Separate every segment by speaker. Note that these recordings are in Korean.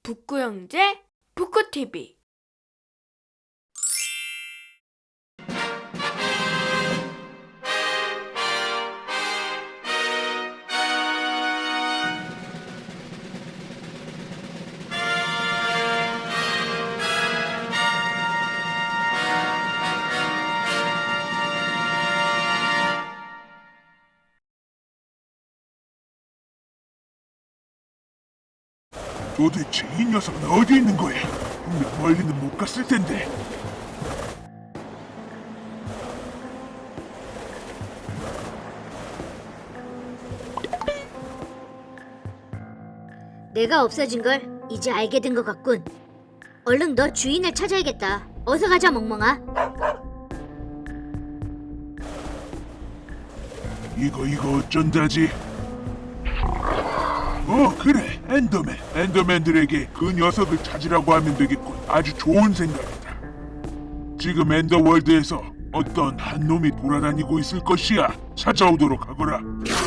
Speaker 1: 북구 형제 북구 TV.
Speaker 2: 도대체 이 녀석은 어디 있는 거야? 분명 멀리는 못 갔을 텐데.
Speaker 3: 내가 없어진 걸 이제 알게 된 것 같군. 얼른 너 주인을 찾아야겠다. 어서 가자, 멍멍아.
Speaker 2: 이거 어쩐다지? 그래, 엔더맨. 엔더맨들에게 그 녀석을 찾으라고 하면 되겠군. 아주 좋은 생각이다. 지금 엔더월드에서 어떤 한 놈이 돌아다니고 있을 것이야. 찾아오도록 하거라.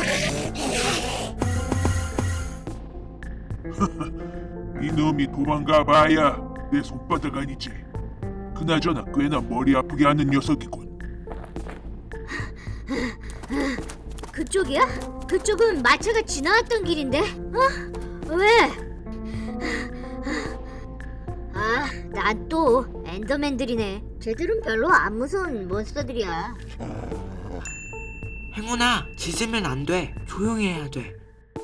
Speaker 2: 이 놈이 도망가 봐야 내 손바닥 아니지. 그나저나 꽤나 머리 아프게 하는 녀석이군.
Speaker 3: 그쪽이야? 그쪽은 마차가 지나왔던 길인데? 왜? 난 또 엔더맨들이네. 쟤들은 별로 안 무서운 몬스터들이야.
Speaker 4: 행운아, 짖으면 안 돼. 조용히 해야 돼.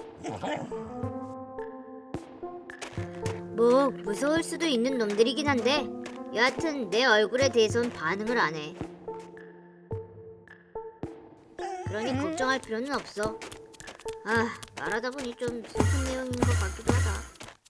Speaker 3: 뭐 무서울 수도 있는 놈들이긴 한데 여하튼 내 얼굴에 대해선 반응을 안 해. 그러니 걱정할 필요는 없어. 말하다 보니 좀 슬픈 내용인 것 같기도 하다.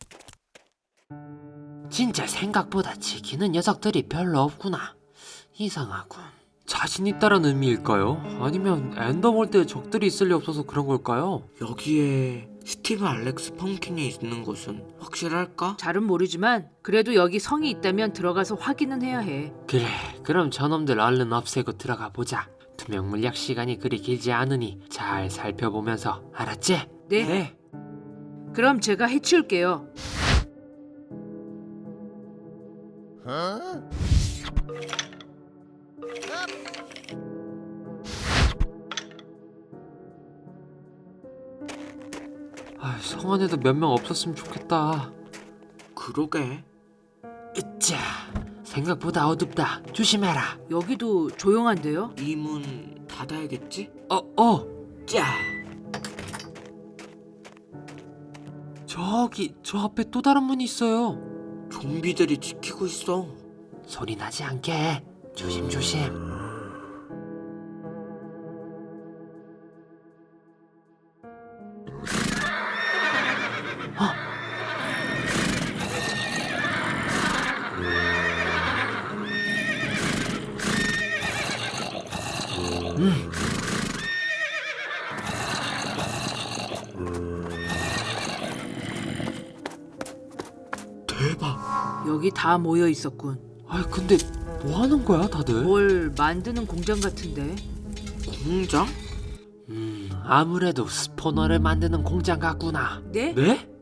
Speaker 5: 진짜 생각보다 지키는 녀석들이 별로 없구나. 이상하군. 자신 있다는 의미일까요? 아니면 엔더월드에 적들이 있을 리 없어서 그런 걸까요?
Speaker 4: 여기에 스티브 알렉스 펌킨이 있는 곳은 확실할까?
Speaker 6: 잘은 모르지만 그래도 여기 성이 있다면 들어가서 확인은 해야 해.
Speaker 5: 그래, 그럼 저놈들 얼른 없애고 들어가 보자. 투명 물약 시간이 그리 길지 않으니 잘 살펴보면서, 알았지?
Speaker 6: 네. 그럼 제가 해치울게요.
Speaker 5: 성 안에도 몇 명 없었으면 좋겠다.
Speaker 4: 그러게.
Speaker 5: 으쌰, 생각보다 어둡다. 조심해라.
Speaker 6: 여기도 조용한데요?
Speaker 4: 이 문 닫아야겠지?
Speaker 5: 짜. 저기 저 앞에 또 다른 문이 있어요.
Speaker 4: 좀비들이 지키고 있어.
Speaker 5: 소리 나지 않게 조심조심.
Speaker 4: 대박.
Speaker 6: 여기 다 모여 있었군.
Speaker 5: 근데 뭐 하는 거야 다들?
Speaker 6: 뭘 만드는 공장 같은데.
Speaker 4: 공장?
Speaker 5: 아무래도 스포너를 만드는 공장 같구나.
Speaker 6: 네?
Speaker 5: 네?